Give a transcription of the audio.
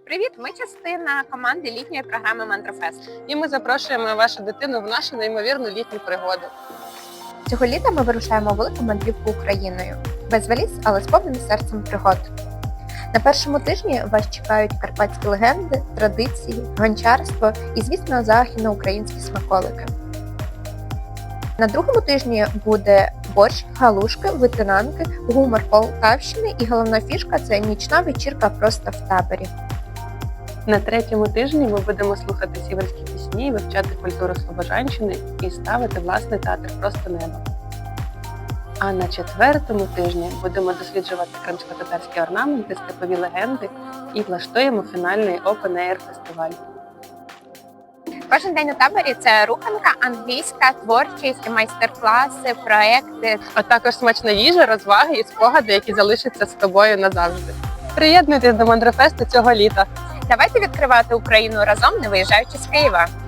Привіт! Ми частина команди літньої програми Мандрофест. І ми запрошуємо вашу дитину в нашу неймовірну літню пригоду. Цього літа ми вирушаємо у велику мандрівку Україною. Без валіз, але сповнені серцем пригод. На першому тижні вас чекають карпатські легенди, традиції, гончарство і, звісно, західноукраїнські смаколики. На другому тижні буде борщ, галушки, витинанки, гумор Полтавщини і головна фішка – це нічна вечірка просто в таборі. На третьому тижні ми будемо слухати сіверські пісні, вивчати культуру Слобожанщини і ставити власний театр «Просто небо». А на четвертому тижні будемо досліджувати кримсько-татарські орнаменти, степові легенди і влаштуємо фінальний Open Air фестиваль. Кожен день у таборі – це руханка, англійська, творчість, майстер-класи, проекти. А також смачна їжа, розваги і спогади, які залишаться з тобою назавжди. Приєднуйтесь до Мандрофесту цього літа! Давайте відкривати Україну разом, не виїжджаючи з Києва.